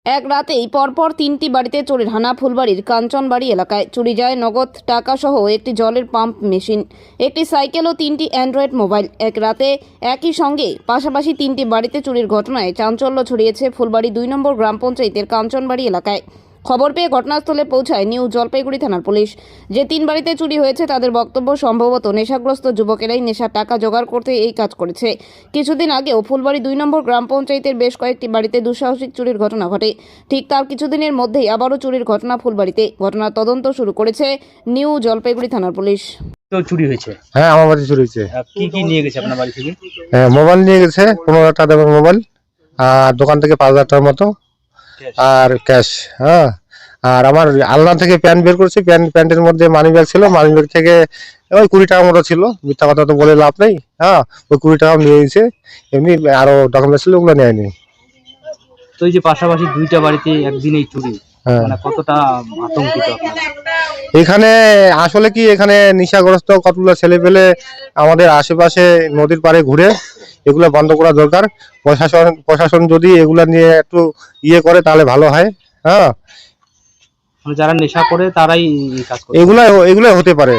এক রাতেই পরপর তিনটি বাড়িতে চোরের হানা। ফুলবাড়ির কাঞ্চনবাড়ি এলাকায় চুরি যায় নগদ টাকা সহ একটি জলের পাম্প মেশিন, একটি সাইকেল ও তিনটি অ্যান্ড্রয়েড মোবাইল। এক রাতে একই সঙ্গে পাশাপাশি তিনটি বাড়িতে চুরির ঘটনায় চাঞ্চল্য ছড়িয়েছে ফুলবাড়ি ২ নম্বর গ্রাম পঞ্চায়েতের কাঞ্চনবাড়ি এলাকায়। খবর পেয়ে ঘটনাস্থলে পৌঁছায় নিউ জলপাইগুড়ি থানার পুলিশ। যে তিন বাড়িতে চুরি হয়েছে তাদের বক্তব্য, সম্ভবত নেশাগ্রস্ত যুবকেরাই নেশার টাকা জোগাড় করতে এই কাজ করেছে। কিছুদিন আগেও ফুলবাড়ি ২ নম্বর গ্রাম পঞ্চায়েতের বেশ কয়েকটি বাড়িতে দুঃসাহসিক চুরির ঘটনা ঘটে। ঠিক তার কিছুদিনের মধ্যেই আবারও চুরির ঘটনা ফুলবাড়িতে। ঘটনার তদন্ত শুরু করেছে নিউ জলপাইগুড়ি থানার পুলিশ। তো চুরি হয়েছে। হ্যাঁ, আমার বাড়ি চুরি হয়েছে। কি কি নিয়ে গেছে আপনার বাড়ি থেকে? হ্যাঁ, মোবাইল নিয়ে গেছে, 15,000 টাকা দামের মোবাইল, আর দোকান থেকে 5,000 টাকার মতো, আর ক্যাশ। হ্যাঁ, আর আমার আলনা থেকে প্যান্ট বের করছি, প্যান্টের মধ্যে মানি ব্যাগ ছিল, মানি ব্যাগ থেকে ওই 20 টাকা মতো ছিল। মিথ্যা কথা তো বলে লাভ নেই। হ্যাঁ, ওই 20 টাকা নিয়ে গেছে, এমনি আরো ডকুমেন্ট ছিল, ওগুলো নেয়নি। তো এই যে পাশাপাশি দুইটা বাড়িতে একদিনেই চুরি, হ্যাঁ, মানে কতটা আতঙ্কিত আপনারা? এখানে আসলে কি, এখানে নেশাগ্রস্ত কতগুলো ছেলে পেলে আমাদের আশেপাশে নদীর পাড়ে ঘুরে, এগুলো বন্ধ করা দরকার। প্রশাসন যদি এগুলা নিয়ে একটু করে তাহলে ভালো হয়। হ্যাঁ, মানে যারা নেশা করে তারাই এই কাজ করে। এগুলা এগুলো হতে পারে।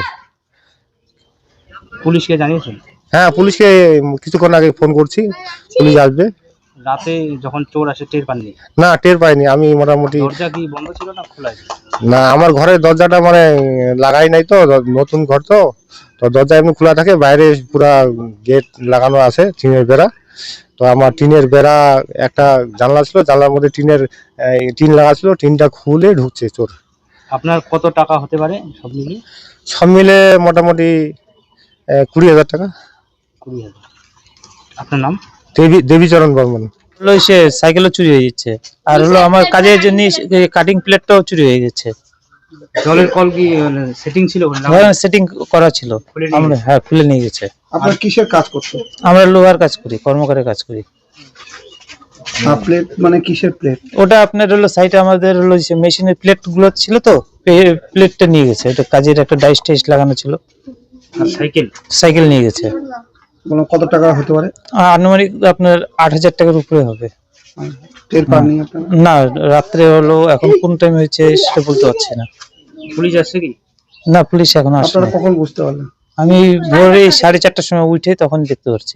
পুলিশকে জানিয়েছেন? হ্যাঁ, পুলিশকে কিছুক্ষণ আগে ফোন করছি, পুলিশ আসবে। রাতে যখন চোর আসে টের পাননি? না, টের পাইনি। আমি মোটামুটি, দরজা কি বন্ধ ছিল না খোলা ছিল? না, আমার ঘরের দরজাটা মানে লাগাই নাই তো, নতুন ঘর তো, তো দরজা এমনি খোলা থাকে, বাইরে পুরা গেট লাগানো আছে, টিনের বেড়া। তো আমার টিনের বেড়া একটা জানলা ছিল, জানলার মধ্যে টিন লাগা ছিল, টিনটা খুলে ঢুকছে চোর। আপনার কত টাকা হতে পারে সব মিলিয়ে? সব মিলে মোটামুটি 20,000 টাকা। 20,000। আপনার নাম? দেবীচরণ বর্মন। হলো সে সাইকেলও চুরি হয়ে যাচ্ছে, আর হলো আমার কাজের জন্য কাটিং প্লেটটাও চুরি হয়ে গেছে। জলের কল কি সেটিং ছিল? সেটিং করা ছিল, খুলে নিয়ে আমরা হ্যাঁ খুলে নিয়ে গেছে। আপনার কিসের কাজ করতে? আমরা লোহার কাজ করি, কর্মকারের কাজ করি। প্লেট মানে কিসের প্লেট? ওটা আপনার হলো সাইডে আমাদের হলো যে মেশিনের প্লেট গুলো ছিল, তো প্লেটটা নিয়ে গেছে। এটা কাজের একটা ডাইস টাইস লাগানো ছিল। আর সাইকেল? সাইকেল নিয়ে গেছে। মানে কত টাকা হতে পারে? আনুমানিক আপনার 8,000 টাকার উপরে হবে। টের পাননি আপনারা? না, রাত্রে হলো, এখন কোন টাইম হয়েছে সেটা বলতে পারছি না। পুলিশ আসছে কি? না, পুলিশ এখনো আসেনি। আপনারা কখন বুঝতে পারলেন? আমি ভোরে 4:30টার সময় উঠে তখন দেখতে পাচ্ছি।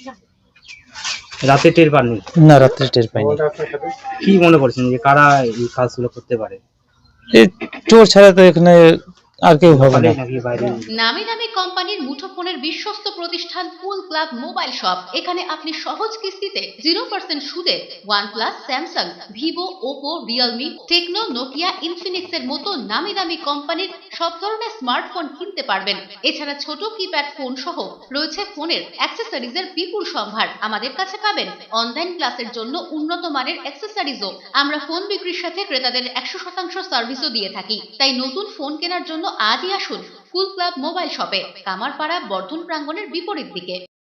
রাতে টের পাননি? না, রাত্রে টের পাইনি। কি মনে করছেন যে কারা এই কাজগুলো করতে পারে? এই চোর ছাড়া তো এখানে আর কেউ হবে না। নাকি বাইরে? নামি দামি কোম্পানির মুঠোফোনের বিশ্বস্ত প্রতিষ্ঠান কুল ক্লাব মোবাইল শপ। এখানে আপনি সহজ কিস্তিতে 0% সুদে OnePlus, Samsung, Vivo, Oppo, Realme, Tecno, Nokia, Infinix এর মতো নামি দামি কোম্পানির সব ধরনের স্মার্টফোন কিনতে পারবেন। এছাড়া ছোট কিপ্যাড ফোন সহ রয়েছে ফোনের অ্যাক্সেসরিজের বিপুল সম্ভার। আমাদের কাছে পাবেন অনলাইন ক্লাসের জন্য উন্নত মানের অ্যাক্সেসরিজও। আমরা ফোন বিক্রির সাথে ক্রেতাদের 100% সার্ভিসও দিয়ে থাকি। তাই নতুন ফোন কেনার জন্য আজই আসুন কুল ক্লাব মোবাইল শপে, কামারপাড়া বর্ধন প্রাঙ্গণের বিপরীত দিকে।